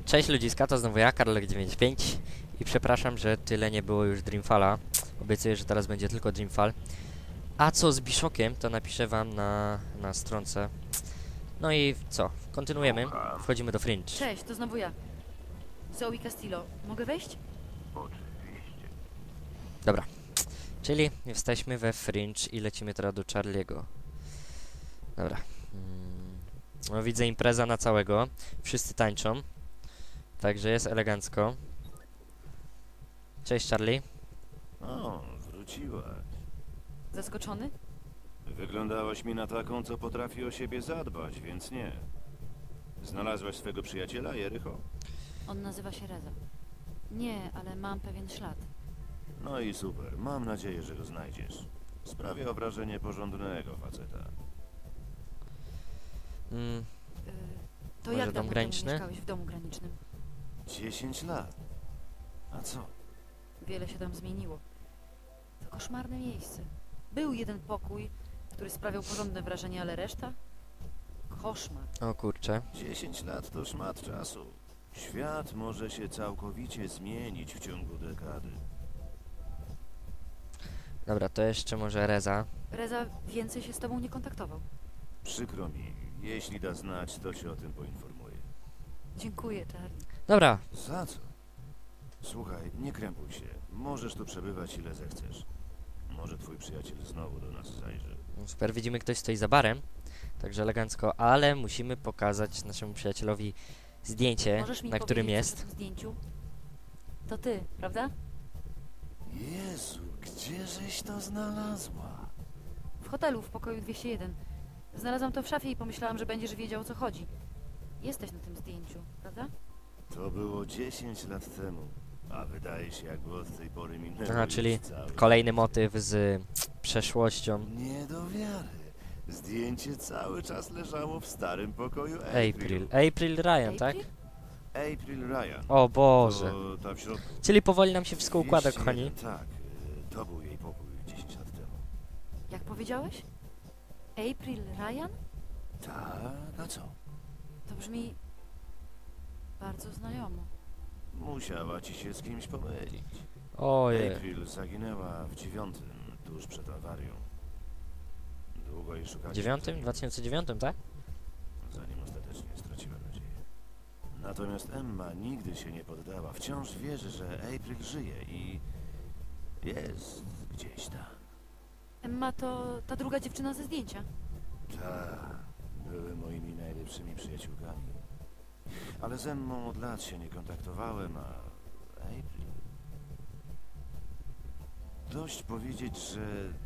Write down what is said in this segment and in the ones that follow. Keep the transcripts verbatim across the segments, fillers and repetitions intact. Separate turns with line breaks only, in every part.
Cześć ludziska, to znowu ja, Karolek dziewięćdziesiąt pięć i przepraszam, że tyle nie było już Dreamfalla. Obiecuję, że teraz będzie tylko Dreamfall. A co z Bishockiem, to napiszę wam na, na stronce. No i co? Kontynuujemy. Wchodzimy do Fringe.
Cześć, to znowu ja. Zoe Castillo. Mogę wejść?
Dobra. Czyli jesteśmy we Fringe i lecimy teraz do Charlie'ego. Dobra. Mm. No widzę impreza na całego. Wszyscy tańczą. Także jest elegancko. Cześć Charlie.
O, wróciłaś.
Zaskoczony?
Wyglądałaś mi na taką, co potrafi o siebie zadbać, więc nie. Znalazłaś swego przyjaciela, Jericho?
On nazywa się Reza. Nie, ale mam pewien ślad.
No i super, mam nadzieję, że go znajdziesz. Sprawia wrażenie porządnego faceta.
Mm.
Yy, to
Może
jak
dom
dawno
graniczny?
temu mieszkałeś w domu granicznym?
Dziesięć lat. A co?
Wiele się tam zmieniło. To koszmarne miejsce. Był jeden pokój, który sprawiał porządne wrażenie, ale reszta? Koszmar.
O kurczę.
Dziesięć lat to szmat czasu. Świat może się całkowicie zmienić w ciągu dekady.
Dobra, to jeszcze może Reza.
Reza więcej się z tobą nie kontaktował.
Przykro mi, jeśli da znać, to się o tym poinformuję.
Dziękuję, Charlie.
Dobra.
Za co? Słuchaj, nie krępuj się. Możesz tu przebywać ile zechcesz. Może twój przyjaciel znowu do nas zajrzy.
Super, widzimy ktoś stoi za barem. Także elegancko, ale musimy pokazać naszemu przyjacielowi zdjęcie,
Możesz mi
na którym
powiedzieć
jest.
coś o tym zdjęciu? To ty, prawda?
Jezu, gdzieżeś to znalazła?
W hotelu, w pokoju dwieście jeden. Znalazłam to w szafie i pomyślałam, że będziesz wiedział, o co chodzi. Jesteś na tym zdjęciu, prawda?
To było dziesięć lat temu. A wydaje się, jakby od tej pory minęło
Aha,
już
czyli
cały...
kolejny motyw z przeszłością.
Nie do wiary. Zdjęcie cały czas leżało w starym pokoju April.
April. April Ryan, tak?
April?
April Ryan.
O Boże.
To ta w środku.
Czyli powoli nam się wszystko układa,
dwieście
kochani.
jeden, tak, y, to był jej pokój dziesięć lat temu.
Jak powiedziałeś? April Ryan?
Tak, a co?
To brzmi bardzo znajomo.
Musiała ci się z kimś pomylić.
Ojej.
April zaginęła w dziewiątym, tuż przed awarią. Długo jej szukaliśmy,
Dziewiątym?
zanim-
dwa tysiące dziewiątym, tak?
zanim ostatecznie straciła nadzieję. Natomiast Emma nigdy się nie poddała. Wciąż wierzy, że April żyje i jest gdzieś tam.
Emma to ta druga dziewczyna ze zdjęcia.
Tak, były moimi najlepszymi przyjaciółkami. Ale z Emmą od lat się nie kontaktowałem, a April... Dość powiedzieć, że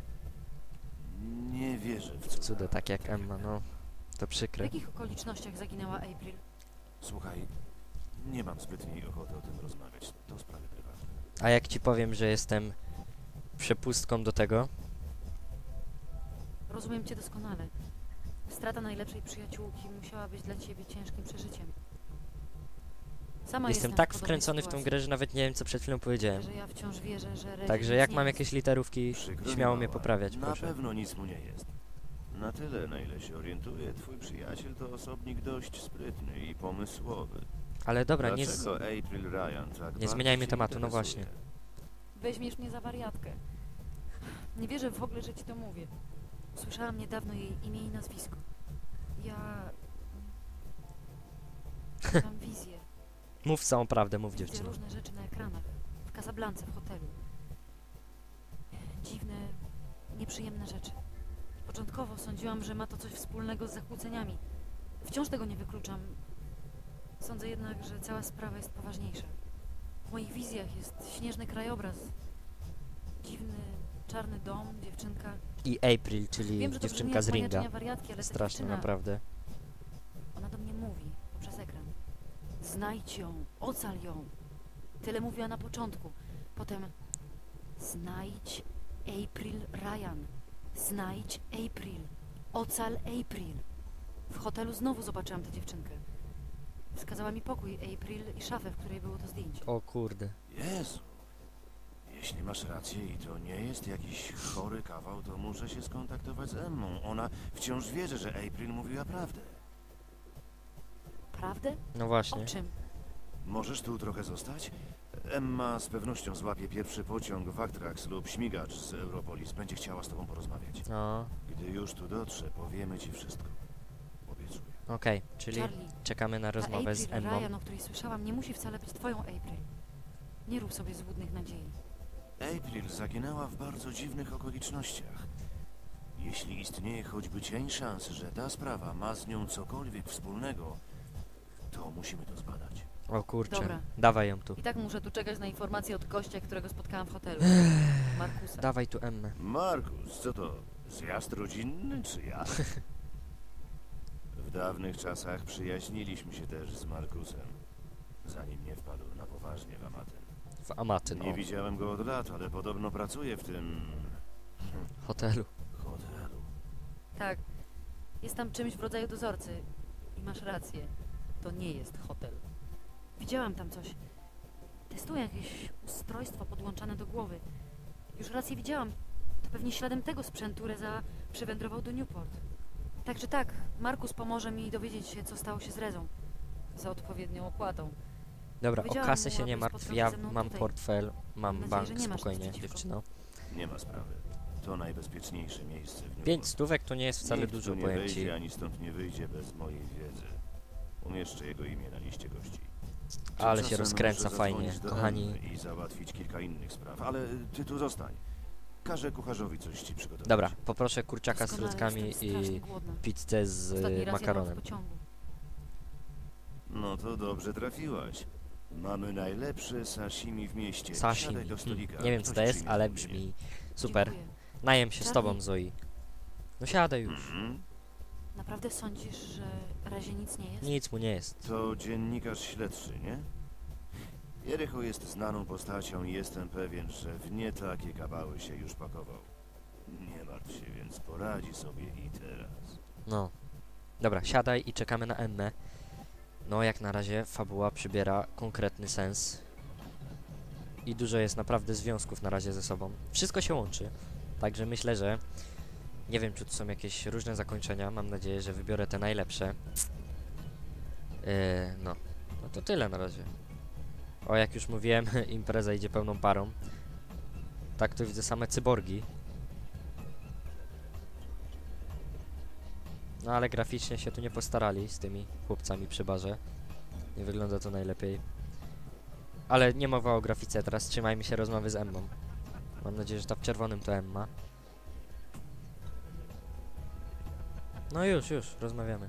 nie wierzę w cuda.
Cuda, tak jak Emma, no. To
W
przykre.
jakich okolicznościach zaginęła April?
Słuchaj, nie mam zbytniej ochoty o tym rozmawiać. To sprawy prywatne.
A jak ci powiem, że jestem przepustką do tego?
Rozumiem cię doskonale. Strata najlepszej przyjaciółki musiała być dla ciebie ciężkim przeżyciem. Sama
Jestem
w
tak
podobnej
wkręcony w tą
sytuacji,
grę, że nawet nie wiem, co przed chwilą powiedziałem.
że ja wciąż wierzę, że Rezie
Także
nic
jak
nie
mam
jest.
jakieś literówki,
Przykro mi,
śmiało mnie
mała.
poprawiać,
Na
proszę.
pewno nic mu nie jest. Na tyle, na ile się orientuję, twój przyjaciel to osobnik dość sprytny i pomysłowy.
Ale dobra, nie, z...
Dlaczego April Ryan tak bardzo
zmieniajmy
cię
tematu, no
interesuje?
właśnie.
Weźmiesz mnie za wariatkę. Nie wierzę w ogóle, że ci to mówię. Słyszałam niedawno jej imię i nazwisko. Ja... Mam wizję.
Mów całą prawdę, mów
Widzę
dziewczyno.
różne rzeczy na ekranach. W Casablance, w hotelu. Dziwne, nieprzyjemne rzeczy. Początkowo sądziłam, że ma to coś wspólnego z zakłóceniami. Wciąż tego nie wykluczam. Sądzę jednak, że cała sprawa jest poważniejsza. W moich wizjach jest śnieżny krajobraz. Dziwny, czarny dom, dziewczynka.
I April, czyli
Wiem, że to
dziewczynka z
brzmi jak
Ringa.
maniaczenia wariatki, ale ta
Straszne,
dziewczyna,
naprawdę.
ona do mnie mówi poprzez ekran. Znajdź ją, ocal ją. Tyle mówiła na początku. Potem znajdź April Ryan. Znajdź April. Ocal April. W hotelu znowu zobaczyłam tę dziewczynkę. Wskazała mi pokój April i szafę, w której było to zdjęcie.
O kurde.
Jezu. Jeśli masz rację i to nie jest jakiś chory kawał, to muszę się skontaktować z Emmą. Ona wciąż wierzy, że April mówiła prawdę.
Prawdę?
No
O
właśnie.
czym?
Możesz tu trochę zostać? Emma z pewnością złapie pierwszy pociąg w Actrax lub śmigacz z Europolis. Będzie chciała z tobą porozmawiać.
No,
Gdy już tu dotrze, powiemy ci wszystko. Obiecuję.
okej, czyli
Charlie,
czekamy na
ta
rozmowę z
April
Emmą.
Ryan, o której słyszałam, nie musi wcale być twoją April. Nie rób sobie złudnych nadziei.
April zaginęła w bardzo dziwnych okolicznościach. Jeśli istnieje choćby cień szans, że ta sprawa ma z nią cokolwiek wspólnego, to musimy to zbadać.
O kurczę,
Dobra.
dawaj ją tu.
I tak muszę tu czekać na informacje od gościa, którego spotkałam w hotelu. Markusa.
Dawaj tu Emmę.
Markus, co to? Zjazd rodzinny czy ja? W dawnych czasach przyjaźniliśmy się też z Markusem, zanim nie wpadł na poważnie w Amatyn.
W Amatyn,
Nie
o,
widziałem go od lat, ale podobno pracuje w tym
hotelu.
hotelu.
Tak. Jest tam czymś w rodzaju dozorcy. I masz rację. To nie jest hotel. Widziałam tam coś. Testuję jakieś ustrojstwo podłączane do głowy. Już raz je widziałam. To pewnie śladem tego sprzętu Reza przywędrował do Newport. Tak czy tak, Markus pomoże mi dowiedzieć się, co stało się z Rezą. Za odpowiednią opłatą.
Dobra, o
Powiedziałam
kasę
mu,
się nie
aby
martw,
spotkał
ja
się ze mną
mam
tutaj.
portfel, mam
Mam nadzieję,
bank,
że nie masz nic
spokojnie,
przeciwko.
dziewczyno.
Nie ma sprawy. To najbezpieczniejsze miejsce w Newport.
Pięć stówek to nie jest wcale
Nikt
dużo,
tu nie
powiem
wejdzie,
ci.
ani stąd nie wyjdzie bez mojej wiedzy. Umieszczę jego imię na liście gości.
Ale się
Tymczasem
rozkręca
muszę
fajnie,
zadzwonić do
kochani.
Emmy i załatwić kilka innych spraw, ale ty tu zostań. Każę kucharzowi coś ci przygotować.
Dobra, poproszę kurczaka z
Doskonale,
frytkami
jestem
i
strasznie głodna.
pizzę z
Ostatni
y,
raz jadłam w
makaronem.
pociągu.
No to dobrze trafiłaś. Mamy najlepsze sashimi w mieście.
Sashimi.
Siadaj do
Hmm.
stolika.
Nie wiem co
Ktoś
to jest,
przyjmie
ale
zamówienie.
brzmi super.
Dziękuję.
Najem się z tobą,
Charlie.
Zoe. No siadaj już.
Mhm.
Naprawdę sądzisz, że razie nic nie jest?
Nic mu nie jest.
To dziennikarz śledczy, nie? Jericho jest znaną postacią i jestem pewien, że w nie takie kabały się już pakował. Nie martw się, więc poradzi sobie i teraz.
No. Dobra, siadaj i czekamy na Emmę. No, jak na razie fabuła przybiera konkretny sens. I dużo jest naprawdę związków na razie ze sobą. Wszystko się łączy. Także myślę, że... Nie wiem, czy tu są jakieś różne zakończenia. Mam nadzieję, że wybiorę te najlepsze. Yy, no. No to tyle na razie. O, jak już mówiłem, impreza idzie pełną parą. Tak, tu widzę same cyborgi. No ale graficznie się tu nie postarali z tymi chłopcami przy barze. Nie wygląda to najlepiej. Ale nie mowa o grafice, teraz trzymajmy się rozmowy z Emmą. Mam nadzieję, że ta w czerwonym to Emma. No już, już, rozmawiamy.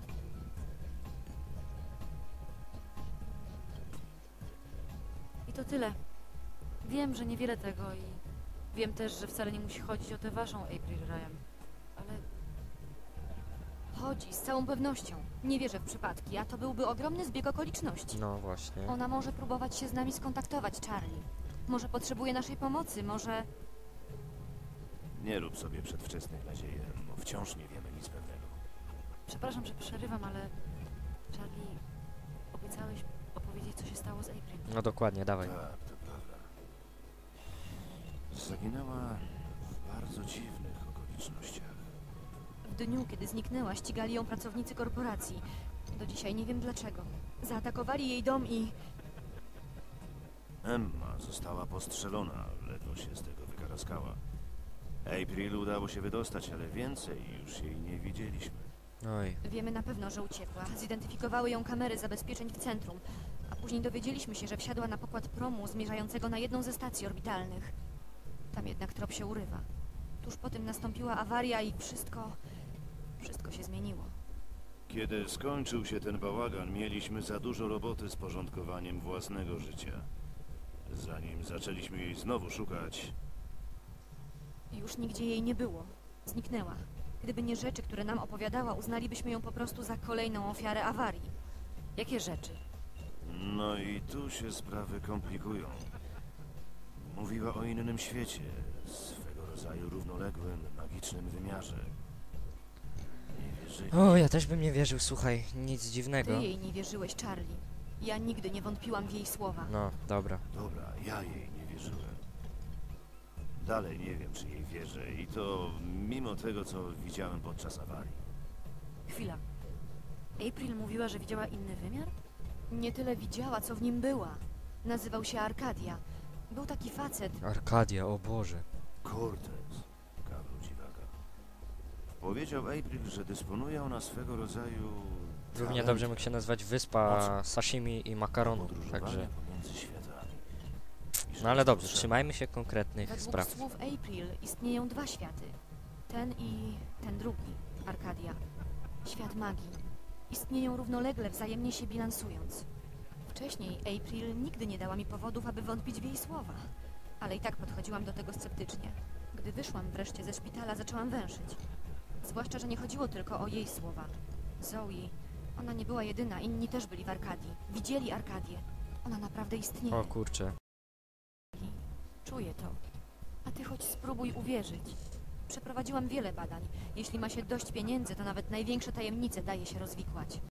I to tyle. Wiem, że niewiele tego i wiem też, że wcale nie musi chodzić o tę waszą April Ryan. Ale
Chodzi, z całą pewnością. Nie wierzę w przypadki, a to byłby ogromny zbieg okoliczności.
No właśnie.
Ona może próbować się z nami skontaktować, Charlie. Może potrzebuje naszej pomocy, może...
Nie rób sobie przedwczesnych nadziei, bo wciąż nie wiemy nic pewnego.
przepraszam, że przerywam, ale Charlie, obiecałeś opowiedzieć, co się stało z April.
No dokładnie, dawaj.
Tak, to prawda. Zaginęła w bardzo dziwnych okolicznościach.
W dniu, kiedy zniknęła, ścigali ją pracownicy korporacji. Do dzisiaj nie wiem dlaczego. Zaatakowali jej dom i...
Emma została postrzelona, ledwo się z tego wykaraskała. April udało się wydostać, ale więcej już jej nie widzieliśmy.
Oj.
Wiemy na pewno, że uciekła. Zidentyfikowały ją kamery zabezpieczeń w centrum. A później dowiedzieliśmy się, że wsiadła na pokład promu zmierzającego na jedną ze stacji orbitalnych. Tam jednak trop się urywa. Tuż po tym nastąpiła awaria i wszystko... Wszystko się zmieniło.
Kiedy skończył się ten bałagan, mieliśmy za dużo roboty z porządkowaniem własnego życia. Zanim zaczęliśmy jej znowu szukać,
Już nigdzie jej nie było. Zniknęła. Gdyby nie rzeczy, które nam opowiadała, uznalibyśmy ją po prostu za kolejną ofiarę awarii.
Jakie rzeczy?
no i tu się sprawy komplikują. Mówiła o innym świecie, swego rodzaju równoległym, magicznym wymiarze. Nie wierzyli.
O, ja też bym nie wierzył, słuchaj, nic
Ty
dziwnego.
jej nie wierzyłeś, Charlie. Ja nigdy nie wątpiłam w jej słowa.
No, dobra.
Dobra, ja jej nie wierzyłem. Dalej nie wiem, czy jej wierzę i to mimo tego, co widziałem podczas awarii.
Chwila. April mówiła, że widziała inny wymiar?
Nie tyle widziała, co w nim była. Nazywał się Arkadia. Był taki facet.
Arkadia, o Boże.
Cortez, kawał dziwaka. Powiedział April, że dysponuje ona swego rodzaju...
Równie
talentem
dobrze mógł się nazwać wyspa sashimi i makaronu,
podróżowania
także...
pomiędzy światami. I że
No ale
jest
dobrze,
potrzebny.
trzymajmy się konkretnych
Według
spraw.
słów April istnieją dwa światy. Ten i ten drugi, Arkadia. Świat magii. Istnieją równolegle, wzajemnie się bilansując. Wcześniej April nigdy nie dała mi powodów, aby wątpić w jej słowa. Ale i tak podchodziłam do tego sceptycznie. Gdy wyszłam wreszcie ze szpitala, zaczęłam węszyć. Zwłaszcza, że nie chodziło tylko o jej słowa. Zoe, ona nie była jedyna, inni też byli w Arkadii. Widzieli Arkadię. Ona naprawdę istnieje.
O kurczę.
Czuję to. A ty choć spróbuj uwierzyć. Przeprowadziłam wiele badań. Jeśli ma się dość pieniędzy, to nawet największe tajemnice daje się rozwikłać.